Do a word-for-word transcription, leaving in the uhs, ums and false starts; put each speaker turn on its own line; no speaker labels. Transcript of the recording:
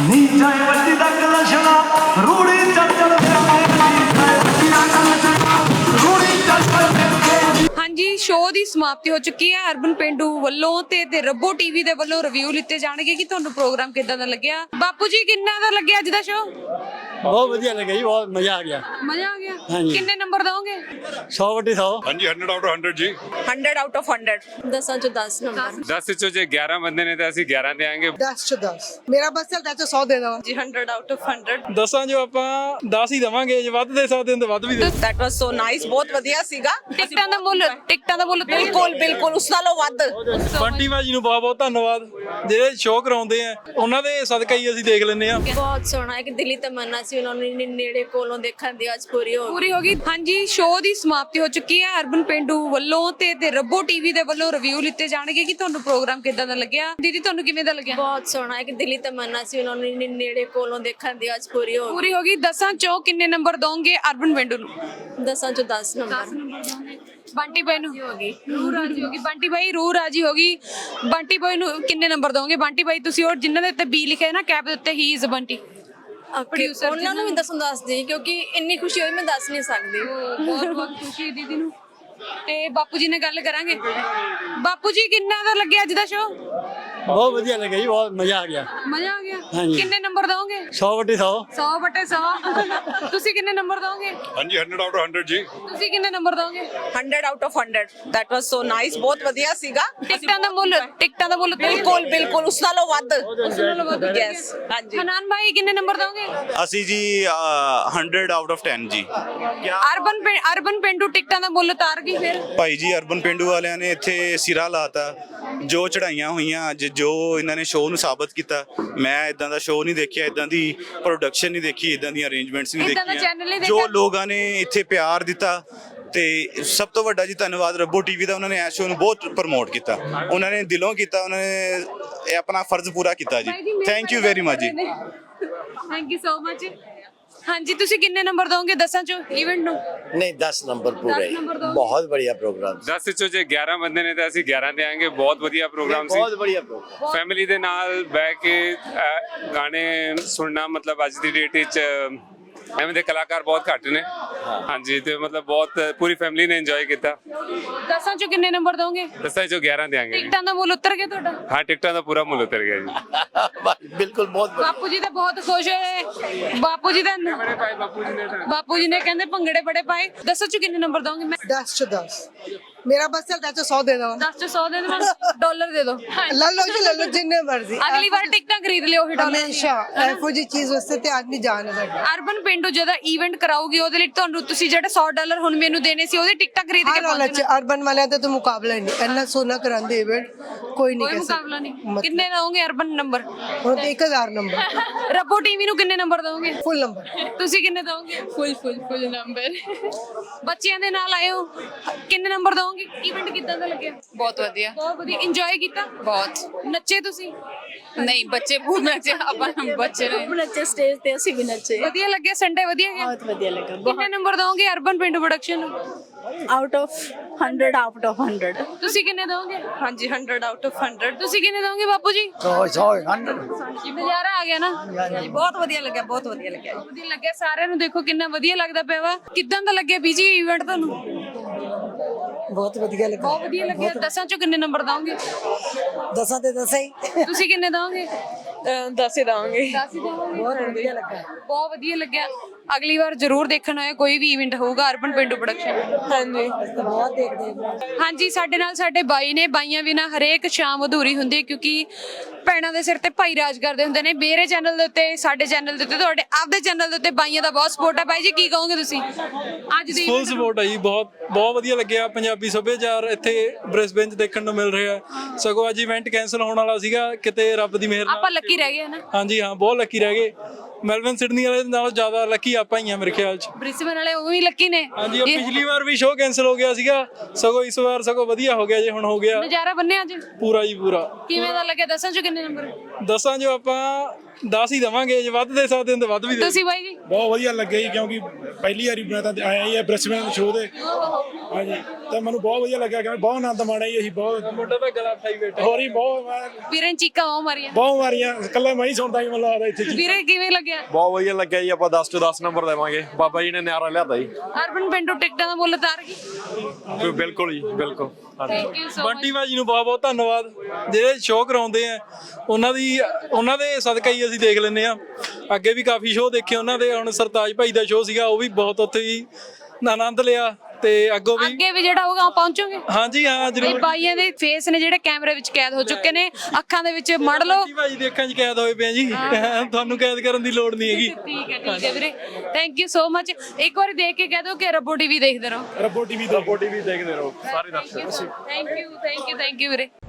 ਹਾਂਜੀ, ਸ਼ੋਅ ਦੀ ਸਮਾਪਤੀ ਹੋ ਚੁੱਕੀ ਹੈ। ਅਰਬਨ ਪੇਂਡੂ ਵੱਲੋਂ ਤੇ ਤੇ ਰੱਬੋ ਟੀਵੀ ਦੇ ਵੱਲੋਂ ਰਿਵਿਊ ਲਿੱਤੇ ਜਾਣਗੇ ਕਿ ਤੁਹਾਨੂੰ ਪ੍ਰੋਗਰਾਮ ਕਿੱਦਾਂ ਦਾ ਲੱਗਿਆ। ਬਾਪੂ ਜੀ, ਕਿੰਨਾ ਦਾ ਲੱਗਿਆ ਅੱਜ ਦਾ ਸ਼ੋਅ?
ਬਹੁਤ ਵਧੀਆ ਲੱਗਿਆ ਜੀ, ਬਹੁਤ ਮਜ਼ਾ ਆ ਗਿਆ।
ਮਜ਼ਾ ਆ ਗਿਆ।
ਹਾਂਜੀ।
ਕਿੰਨੇ ਨੰਬਰ ਦੋਗੇ?
ਸੌ ਵਟੇ ਸੌ।
ਹਾਂਜੀ, ਹੰਡਰਡ ਆਊਟ ਆਫ ਹੰਡਰਡ ਜੀ।
Hundred out of hundred.
ਦਸਾਂ ਚੋਂ ਦਸ ਨੰਬਰ।
ਦਸ ਚੋਂ ਜੇ ਗਿਆਰਾਂ ਬੰਦੇ ਨੇ ਤਾਂ ਅਸੀਂ ਗਿਆਰਾਂ ਦੇਾਂਗੇ।
ਦਸ ਚੋਂ ਦਸ। ਮੇਰਾ ਬਸ ਚੱਲਦਾ ਚੋਂ ਸੌ ਦੇ ਦਵਾਂ
ਜੀ। Hundred out of hundred.
ਦਸਾਂ ਜੋ ਆਪਾਂ ਦਸ ਹੀ ਦਵਾਂਗੇ, ਜੇ ਵੱਧ ਦੇ ਸਕਦੇ ਹਾਂ ਤਾਂ ਵੱਧ ਵੀ ਦੇ।
ਦੈਟ ਵਾਸ ਸੋ ਨਾਈਸ, ਬਹੁਤ ਵਧੀਆ ਸੀਗਾ।
ਟਿਕਟਾਂ ਦਾ ਮੁੱਲ ਟਿਕਟਾਂ ਦਾ ਮੁੱਲ
ਬਿਲਕੁਲ ਬਿਲਕੁਲ ਉਸ ਨਾਲੋਂ ਵੱਧ।
ਬੰਟੀ ਭਾਜੀ ਨੂੰ ਬਹੁਤ ਬਹੁਤ ਧੰਨਵਾਦ, ਜਿਹੜੇ ਸ਼ੋਅ ਕਰਾਉਂਦੇ ਆ ਉਹਨਾਂ ਦੇ ਸਦਕਾ ਹੀ ਅਸੀਂ ਦੇਖ ਲੈਂਦੇ ਆ।
ਬਹੁਤ ਸੋਹਣਾ, ਇੱਕ ਦਿਲੀ ਤਮੰਨਾ ਸੀ ਉਹਨਾਂ ਨੂੰ ਨੇੜੇ ਕੋਲੋਂ ਦੇਖਣ ਦੀ, ਅੱਜ ਪੂਰੀ ਹੋ ਗਈ।
ਪੂਰੀ ਹੋ ਗਈ। ਹਾਂਜੀ, ਸ਼ੋਅ ਦੀ ਸਮਾਪਤੀ ਹੋ ਚੁੱਕੀ ਹੈ। ਅਰਬਨ ਪੇਂਡੂ ਵੱਲੋਂ ਤੇ ਤੇ ਰੱਬੋ ਟੀਵੀ ਦੇ ਵੱਲੋਂ ਰਿਵਿਊ ਲਿੱਤੇ ਜਾਣਗੇ ਕਿ ਤੁਹਾਨੂੰ ਪ੍ਰੋਗਰਾਮ ਕਿੱਦਾਂ ਦਾ ਲੱਗਿਆ। ਦੀਦੀ, ਤੁਹਾਨੂੰ ਕਿਵੇਂ ਦਾ ਲੱਗਿਆ?
ਬਹੁਤ ਸੋਹਣਾ, ਇੱਕ ਦਿਲੀ ਤਮੰਨਾ ਸੀ ਉਹਨਾਂ ਨੂੰ ਨੇੜੇ ਕੋਲੋਂ ਦੇਖਣ ਦੀ, ਅੱਜ ਪੂਰੀ ਹੋ ਗਈ।
ਪੂਰੀ ਹੋ ਗਈ। ਦਸਾਂ ਚੋਂ ਕਿੰਨੇ ਨੰਬਰ ਦੋਗੇ ਅਰਬਨ ਪੇਂਡੂ ਨੂੰ?
ਦਸਾਂ ਚੋਂ ਦਸ ਨੰਬਰ।
ਬੰਟੀ ਬਾਈ ਨੂੰ ਹੋ ਗਈ, ਰੂਹ ਰਾਜੀ ਹੋ ਗਈ। ਬੰਟੀ ਬਾਈ ਰੂਹ ਰਾਜੀ ਹੋ ਗਈ। ਬੰਟੀ ਬਾਈ ਨੂੰ ਕਿੰਨੇ ਨੰਬਰ ਦੋਗੇ? ਬੰਟੀ ਬਾਈ, ਤੁਸੀਂ ਉਹ ਜਿਨ੍ਹਾਂ ਦੇ ਉੱਤੇ ਬੀ ਲਿਖਿਆ ਹੈ ਨਾ ਕੈਪ ਦੇ ਉੱਤੇ, ਹੀ ਇਜ਼ ਬੰਟੀ ਪ੍ਰੋਡਿਊਸਰ,
ਉਹਨਾਂ ਨੂੰ ਵੀ ਦਸੋਂ ਦੱਸ ਦੇ, ਕਿਉਂਕਿ ਇੰਨੀ ਖੁਸ਼ੀ ਹੋਈ ਮੈਂ ਦੱਸ ਨਹੀਂ ਸਕਦੀ।
ਬਹੁਤ ਬਹੁਤ ਖੁਸ਼ੀ ਦੀਦੀ ਨੂੰ। ਤੇ ਬਾਪੂ ਜੀ ਨਾਲ ਗੱਲ ਕਰਾਂਗੇ। ਬਾਪੂ ਜੀ, ਕਿੰਨਾ ਦਾ ਲੱਗਿਆ ਅੱਜ ਦਾ ਸ਼ੋਅ?
ਬਹੁਤ ਵਧੀਆ ਲੱਗਿਆ ਜੀ, ਬਹੁਤ ਮਜ਼ਾ ਆ ਗਿਆ।
ਮਜ਼ਾ ਆ ਗਿਆ।
ਹਾਂਜੀ।
ਕਿੰਨੇ ਨੰਬਰ ਦੋਗੇ?
ਸੌ ਵਟੇ ਸੌ।
ਸੌ ਬਟੇ ਸੌ। ਤੁਸੀਂ ਕਿੰਨੇ ਨੰਬਰ ਦੋਗੇ?
ਹਾਂਜੀ, ਹੰਡਰਡ ਆਊਟ ਆਫ ਹੰਡਰਡ ਜੀ।
ਤੁਸੀਂ ਕਿੰਨੇ ਨੰਬਰ ਦੋਗੇ?
Hundred out of hundred. That was so nice, ਬਹੁਤ ਵਧੀਆ ਸੀਗਾ।
ਟਿਕਟਾਂ ਦਾ ਮੁੱਲ ਟਿਕਟਾਂ ਦਾ ਮੁੱਲ
ਬਿਲਕੁਲ ਬਿਲਕੁਲ ਉਸ ਨਾਲੋਂ ਵੱਧ।
ਉਸ ਨਾਲੋਂ ਵੱਧ।
ਯੈਸ, ਹਾਂਜੀ।
ਹਨਾਨ ਭਾਈ, ਕਿੰਨੇ ਨੰਬਰ ਦੋਗੇ?
ਅਸੀਂ ਜੀ ਹੰਡਰਡ ਆਊਟ ਆਫ ਟੈਨ ਜੀ।
ਅਰਬਨ ਪੇ- ਅਰਬਨ ਪੇਂਡੂ ਟਿਕਟਾਂ ਦਾ ਮੁੱਲ ਉਤਾਰ ਗਈ ਫਿਰ।
ਭਾਈ ਜੀ, ਅਰਬਨ ਪਿੰਡੂ ਵਾਲਿਆਂ ਨੇ ਇੱਥੇ ਸਿਰਾ ਲਾਤਾ। ਜੋ ਚੜਾਈਆਂ ਹੋਈਆਂ ਅੱਜ, ਜੋ ਇਹਨਾਂ ਨੇ ਸ਼ੋਅ ਨੂੰ ਸਾਬਤ ਕੀਤਾ। ਮੈਂ ਇਦਾਂ ਦਾ ਸ਼ੋਅ ਨਹੀਂ ਦੇਖਿਆ, ਇਦਾਂ ਦੀ ਪ੍ਰੋਡਕਸ਼ਨ ਨਹੀਂ ਦੇਖੀ, ਇਦਾਂ ਦੀਆਂ ਅਰੇਂਜਮੈਂਟਸ ਨਹੀਂ
ਏਦਾਂ ਦਾ channel ਨਹੀਂ
ਦੇਖੀਆਂ। ਜੋ
ਦੇਖਿਆ।
ਲੋਕਾਂ ਨੇ ਇੱਥੇ ਪਿਆਰ ਦਿੱਤਾ, ਤੇ ਸਭ ਤੋਂ ਵੱਡਾ ਜੀ ਧੰਨਵਾਦ ਰੱਬੋ ਟੀਵੀ ਦਾ। ਉਹਨਾਂ ਨੇ ਇਸ ਸ਼ੋਅ ਨੂੰ ਬਹੁਤ ਪ੍ਰਮੋਟ ਕੀਤਾ, ਉਹਨਾਂ ਨੇ ਦਿਲੋਂ ਕੀਤਾ, ਉਹਨਾਂ ਨੇ ਇਹ ਆਪਣਾ ਫਰਜ਼ ਪੂਰਾ ਕੀਤਾ ਜੀ। ਥੈਂਕ ਯੂ ਵੈਰੀ ਮਚ ਜੀ।
Thank you so much. ਹਾਂਜੀ, ਤੁਸੀਂ ਕਿੰਨੇ ਨੰਬਰ ਦੋਗੇ ਦਸਾਂ ਚੋਂ ਇਵੈਂਟ ਨੂੰ?
ਨਹੀਂ, ਦਸ ਨੰਬਰ ਪੂਰਾ
ਦਸ
ਹੀ।
ਨੰਬਰ ਦੋਗੇ।
ਬਹੁਤ बढ़िया ਪ੍ਰੋਗਰਾਮ।
ਦਸ ਚੋਂ ਜੇ ਗਿਆਰਾਂ ਬੰਦੇ ਨੇ ਤਾਂ ਅਸੀਂ ਗਿਆਰਾਂ ਦੇਾਂਗੇ। ਬਹੁਤ ਵਧੀਆ ਪ੍ਰੋਗਰਾਮ ਸੀ।
ਬਹੁਤ बढ़िया ਪ੍ਰੋਗਰਾਮ।
ਫੈਮਿਲੀ ਦੇ ਨਾਲ ਬਹਿ ਕੇ ਅਹ, ਗਾਣੇ ਸੁਣਨਾ, ਮਤਲਬ ਅੱਜ ਦੀ ਡੇਟ ਵਿੱਚ ਐਵੇਂ ਦੇ ਕਲਾਕਾਰ ਬਹੁਤ ਘੱਟ ਨੇ। ਹਾਂਜੀ, ਤੇ ਮਤਲਬ ਬਹੁਤ ਪੂਰੀ ਫੈਮਿਲੀ ਨੇ ਇੰਜੋਏ ਕੀਤਾ।
ਦਸਾਂ ਚੋਂ ਕਿੰਨੇ ਨੰਬਰ ਦੋਗੇ?
ਦਸਾਂ ਚੋਂ ਗਿਆਰਾਂ ਦੇਾਂਗੇ ਜੀ।
ਟਿਕਟਾਂ ਦਾ ਮੁੱਲ ਉਤਰ ਗਿਆ ਤੁਹਾਡਾ?
ਹਾਂ, ਟਿਕਟਾਂ ਦਾ ਪੂਰਾ ਮੁੱਲ ਉਤਰ ਗਿਆ ਜੀ।
ਬਿਲਕੁਲ, ਬਹੁਤ बढ़िया।
ਬਾਪੂ ਜੀ ਤਾਂ ਬਹੁਤ ਖੁਸ਼ ਹੋਏ। ਬਾਪੂ ਜੀ ਦਾ ਬਾਪੂ ਜੀ ਨੇ ਕਹਿੰਦੇ ਭੰਗੜੇ ਬੜੇ ਪਾਏ। ਦਸਾਂ ਚੋਂ ਕਿੰਨੇ ਨੰਬਰ ਦੋਗੇ? ਮੈਂ
ਦਸ ਚੋਂ ਦਸ। ਮੇਰਾ ਬਸ ਚੱਲਦਾ ਚੋਂ ਸੌ ਦੇ ਦਵਾਂ।
ਦਸ ਚੋਂ ਸੌ ਦੇ ਦੇਵਾਂ। ਡਾਲਰ ਦੇ ਦਿਓ।
ਲੈ ਲਓ ਜੀ, ਲੈ ਲਓ ਜਿੰਨੇ ਮਰਜ਼ੀ।
ਅਗਲੀ ਵਾਰ ਟਿਕਟਾਂ ਖਰੀਦ ਲਿਓ ਉਹੀ ਡਾਲਰ।
ਹਮੇਸ਼ਾ ਇਹੋ ਜਿਹੀ ਚੀਜ਼ ਵਾਸਤੇ ਤੇ ਆਦਮੀ ਜਾਨ ਹੈ ਸਾਡਾ।
ਅਰਬਨ ਪਿੰਡੂ ਜਦੋਂ ਇਵੈਂਟ ਕਰਾਉਗੀ ਉਹਦੇ ਲਈ ਤੁਹਾਨੂੰ ਤੁਸੀਂ ਜਿਹੜੇ ਸੌ ਡਾਲਰ ਹੁਣ ਮੈਨੂੰ ਦੇਣੇ ਸੀ ਉਹਦੀ ਟਿਕਟਾਂ ਖਰੀਦ ਕੇ
ਹਰ ਹਾਲਤ ਚ ਅਰਬਨ ਵਾਲਿਆਂ ਦਾ ਤਾਂ ਮੁਕਾਬਲਾ ਹੀ ਨਹੀਂ। ਇੰਨਾ ਸੋਨਾ ਕਰਾਉਂਦੇ ਇਵੈਂਟ ਕੋਈ ਨਹੀਂ
ਕੋਈ
ਕਹਿ
ਮੁਕਾਬਲਾ ਨਹੀਂ।
ਸਕਦਾ।
ਕਿੰਨੇ ਦੋਗੇ ਅਰਬਨ ਨੰਬਰ?
ਹੁਣ ਤੇ ਇੱਕ ਹਜ਼ਾਰ ਨੰਬਰ।
ਰੱਬੋ ਟੀਵੀ ਨੂੰ ਕਿੰਨੇ ਨੰਬਰ ਦੋਗੇ?
Full number.
ਤੁਸੀਂ ਕਿੰਨੇ ਦੋਗੇ?
Full full full number.
ਬੱਚਿਆਂ ਦੇ ਨਾਲ ਆਏ ਹੋ, ਕਿੰਨੇ ਨੰਬਰ ਦੋਗੇ? ਇਵੈਂਟ ਕਿੱਦਾਂ ਦਾ ਲੱਗਿਆ?
ਬਹੁਤ ਵਧੀਆ।
ਬਹੁਤ ਵਧੀਆ। ਇੰਜੋਏ ਕੀਤਾ?
ਬਹੁਤ।
ਨੱਚੇ ਤੁਸੀਂ?
ਨਹੀਂ, ਬੱਚੇ ਬਹੁਤ ਨੱਚੇ। ਆਪਾਂ ਬੱਚੇ ਨੱਚੇ ਸਟੇਜ ਤੇ, ਅਸੀਂ ਵੀ ਨੱਚੇ।
ਵਧੀਆ ਲੱਗਿਆ? ਸੰਡੇ ਵਧੀਆ ਗਿਆ?
ਬਹੁਤ ਵਧੀਆ ਲੱਗਾ।
ਕਿੰਨੇ ਨੰਬਰ ਦੋਗੇ ਅਰਬਨ ਪਿੰਡੂ ਪ੍ਰੋਡਕਸ਼ਨ ਨੂੰ?
Out of hundred out of hundred.
ਤੁਸੀਂ ਕਿੰਨੇ ਦੋਗੇ?
ਹਾਂਜੀ, ਹੰਡਰਡ ਆਊਟ ਆਫ ਹੰਡਰਡ।
ਤੁਸੀਂ ਕਿੰਨੇ ਦੋਗੇ ਬਾਪੂ ਜੀ?
ਸੌ ਸੌ ਹੰਡਰਡ।
ਨਜ਼ਾਰਾ ਆ ਗਿਆ ਨਾ?
ਬਹੁਤ ਵਧੀਆ ਲੱਗਿਆ, ਬਹੁਤ ਵਧੀਆ ਲੱਗਿਆ।
ਵਧੀਆ ਲੱਗਿਆ ਸਾਰਿਆਂ ਨੂੰ। ਦੇਖੋ ਕਿੰਨਾ ਵਧੀਆ ਲੱਗਦਾ ਪਿਆ ਵਾ। ਕਿੱਦਾਂ ਦਾ ਲੱਗਿਆ ਬੀਜੀ ਇਵੈਂਟ ਤੁਹਾਨੂੰ?
ਬਹੁਤ ਵਧੀਆ ਲੱਗਾ।
ਬਹੁਤ ਵਧੀਆ ਲੱਗਿਆ। ਦਸਾਂ ਚੋਂ ਕਿੰਨੇ ਨੰਬਰ ਦੋਗੇ?
ਦਸਾਂ ਤੇ ਦਸਾਂ ਹੀ।
ਤੁਸੀਂ ਕਿੰਨੇ ਦੋਗੇ?
ਦਸ ਹੀ ਦਾਂਗੇ।
ਦਸ ਹੀ ਦੋਗੇ।
ਬਹੁਤ ਵਧੀਆ ਲੱਗਾ।
ਬਹੁਤ ਵਧੀਆ ਲੱਗਿਆ। ਅਗਲੀ ਵਾਰ ਜ਼ਰੂਰ ਦੇਖਣ ਆਇਓ, ਕੋਈ ਵੀ ਇਵੈਂਟ ਹੋਊਗਾ ਅਰਬਨ ਪਿੰਡੂ ਪ੍ਰੋਡਕਸ਼ਨ।
ਹਾਂਜੀ,
ਬਹੁਤ ਦੇਖਦੇ।
ਹਾਂਜੀ, ਸਾਡੇ ਨਾਲ ਸਾਡੇ ਬਾਈ ਨੇ। ਬਾਈਆਂ ਬਿਨਾਂ ਹਰੇਕ ਸ਼ਾਮ ਅਧੂਰੀ ਹੁੰਦੀ ਹੈ, ਕਿਉਂਕਿ ਭੈਣਾਂ ਦੇ ਸਿਰ ਤੇ ਭਾਈ ਰਾਜ ਕਰਦੇ ਹੁੰਦੇ ਨੇ। ਮੇਰੇ ਚੈਨਲ ਦੇ ਉੱਤੇ, ਸਾਡੇ ਚੈਨਲ ਦੇ ਉੱਤੇ, ਤੁਹਾਡੇ ਆਪਦੇ ਚੈਨਲ ਦੇ ਉੱਤੇ ਬਾਈਆਂ ਦਾ ਬਹੁਤ ਸਪੋਰਟ ਹੈ। ਬਾਈ ਜੀ, ਕੀ ਕਹੋਗੇ ਤੁਸੀਂ ਅੱਜ ਦੀ
ਫੁੱਲ ਸਪੋਰਟ ਹੈ ਜੀ। ਬਹੁਤ ਬਹੁਤ ਵਧੀਆ ਲੱਗਿਆ। ਪੰਜਾਬੀ ਸੱਭਿਆਚਾਰ ਇੱਥੇ ਬ੍ਰਿਸਬੇਨ 'ਚ ਦੇਖਣ ਨੂੰ ਮਿਲ ਰਿਹਾ। ਸਗੋਂ ਅੱਜ ਇਵੈਂਟ ਕੈਂਸਲ ਹੋਣ ਵਾਲਾ ਸੀਗਾ, ਕਿਤੇ ਰੱਬ ਦੀ ਮਿਹਰ ਨਾਲ
ਆਪਾਂ ਲੱਕੀ ਰਹਿ ਗਏ ਨਾ?
ਹਾਂਜੀ ਹਾਂ, ਬਹੁਤ ਲੱਕੀ ਰਹਿ ਗਏ। ਮੈਲਬਨ ਸਿਡਨੀ ਵਾਲੇ ਨਾਲੋਂ ਜ਼ਿਆਦਾ ਲੱਕੀ ਆਪਾਂ ਹੀ ਆ ਮੇਰੇ ਖਿਆਲ 'ਚ।
ਬ੍ਰਿਸਬਨ ਵਾਲੇ ਉਹ ਵੀ ਲੱਕੀ ਨੇ।
ਹਾਂਜੀ, ਉਹ ਪਿਛਲੀ ਵਾਰ ਵੀ ਸ਼ੋਅ ਕੈਂਸਲ ਹੋ ਗਿਆ ਸੀਗਾ, ਸਗੋਂ ਇਸ ਵਾਰ ਸਗੋਂ ਵਧੀਆ ਹੋ ਗਿਆ ਜੇ ਹੁਣ ਹੋ ਗਿਆ
ਨਜ਼ਾਰਾ ਬੰਨਿਆ ਅੱਜ
ਪੂਰਾ ਜੀ ਪੂਰਾ।
ਕਿਵੇਂ ਦਾ ਲੱਗਿਆ? ਦਸਾਂ ਚੋਂ ਕਿੰਨੇ ਨੰਬਰ?
ਦਸਾਂ ਜੋ ਆਪਾਂ ਦਸ ਹੀ ਦਵਾਂਗੇ, ਜੇ ਵੱਧ ਦੇ ਸਕਦੇ ਹਾਂ ਤਾਂ ਵੱਧ ਵੀ ਦੇ।
ਤੁਸੀਂ ਬਾਈ ਜੀ?
ਬਹੁਤ ਵਧੀਆ ਲੱਗਿਆ ਜੀ, ਕਿਉਂਕਿ ਪਹਿਲੀ ਵਾਰੀ ਮੈਂ ਤਾਂ ਆਇਆ ਹੀ ਆ ਬ੍ਰਿਸਬੇਨ ਸ਼ੋਅ ਦੇ। ਹਾਂਜੀ, ਤਾਂ ਮੈਨੂੰ ਬਹੁਤ ਵਧੀਆ ਲੱਗਿਆ, ਕਿਉਂਕਿ ਬਹੁਤ ਆਨੰਦ ਮਾਣਿਆ ਜੀ ਅਸੀਂ। ਬਹੁਤ
ਮੁੰਡਾ ਤਾਂ ਗਲਾ ਫਾਈ ਬੈਠਾ।
ਹੋਰ ਹੀ ਬਹੁਤ ਮੈਂ-
ਵੀਰੇ ਚੀਕਾਂ ਬਹੁਤ ਮਾਰੀਆਂ।
ਬਹੁਤ ਮਾਰੀਆਂ, ਇਕੱਲਾ ਮੈਂ ਹੀ ਸੁਣਦਾ ਜੀ, ਮੈਨੂੰ ਲੱਗਦਾ ਇੱਥੇ ਜੀ।
ਵੀਰੇ ਕਿਵੇਂ ਲੱਗਿਆ?
ਬਹੁਤ ਵਧੀਆ ਲੱਗਿਆ ਜੀ। ਆਪਾਂ ਦਸ ਤੋਂ ਦਸ ਨੰਬਰ ਦੇਵਾਂਗੇ, ਬਾਬਾ ਜੀ ਨੇ ਨਿਆਰਾ ਲਿਆਦਾ ਜੀ।
ਅਰਬਨ ਪਿੰਡੂ ਟਿਕਟਾਂ ਦਾ ਮੁੱਲ ਤਾਰ ਗਈ।
ਬਿਲਕੁਲ ਜੀ, ਬਿਲਕੁਲ।
ਥੈਂਕ ਯੂ ਸੋ
ਬੰਟੀ ਭਾਜੀ ਨੂੰ ਬਹੁਤ ਬਹੁਤ ਧੰਨਵਾਦ, ਜਿਹੜੇ ਸ਼ੋਅ ਕਰਾਉਂਦੇ ਆ ਉਹਨਾਂ ਦੀ ਉਹਨਾਂ ਦੇ ਸਦਕਾ ਹੀ ਅਸੀਂ ਦੇਖ ਲੈਂਦੇ ਆ। ਅੱਗੇ ਵੀ ਕਾਫੀ ਸ਼ੋਅ ਦੇਖੇ ਉਹਨਾਂ ਦੇ, ਹੁਣ ਸਰਤਾਜ ਭਾਈ ਦਾ ਸ਼ੋਅ ਸੀਗਾ, ਉਹ ਵੀ ਬਹੁਤ ਉੱਥੇ ਹੀ ਆਨੰਦ ਲਿਆ, ਤੇ ਅੱਗੋਂ ਵੀ
ਅੱਗੇ ਵੀ ਜਿਹੜਾ ਹੋਊਗਾ ਉਹ ਪਹੁੰਚੋਗੇ।
ਹਾਂਜੀ ਹਾਂ
ਇਹ
ਜ਼ਰੂਰ।
ਬਾਈਆਂ ਦੇ ਫੇਸ ਨੇ ਜਿਹੜੇ ਕੈਮਰੇ ਵਿੱਚ ਕੈਦ ਹੋ ਚੁੱਕੇ ਨੇ, ਅੱਖਾਂ ਦੇ ਵਿੱਚ ਮੜ ਲਓ।
ਬੰਟੀ ਭਾਜੀ ਦੇ ਅੱਖਾਂ 'ਚ ਕੈਦ ਹੋਏ ਪਏ ਆ ਜੀ, ਤੁਹਾਨੂੰ ਕੈਦ ਕਰਨ ਦੀ ਲੋੜ ਨਹੀਂ ਹੈਗੀ।
ਠੀਕ ਹੈ ਠੀਕ ਹੈ ਵੀਰੇ, ਥੈਂਕ ਯੂ ਸੋ ਮਚ। ਇੱਕ ਵਾਰੀ ਦੇਖ ਕੇ ਕਹਿ ਦਿਓ ਕਿ ਰੱਬੋ ਟੀਵੀ ਦੇਖਦੇ ਰਹੋ।
ਰੱਬੋ ਟੀਵੀ ਦਾ
ਰੱਬੋ ਟੀਵੀ ਦੇਖਦੇ ਰਹੋ ਸਾਰੇ ਦਰਸ਼ਕ।
Thank you thank you thank you ਵੀਰੇ।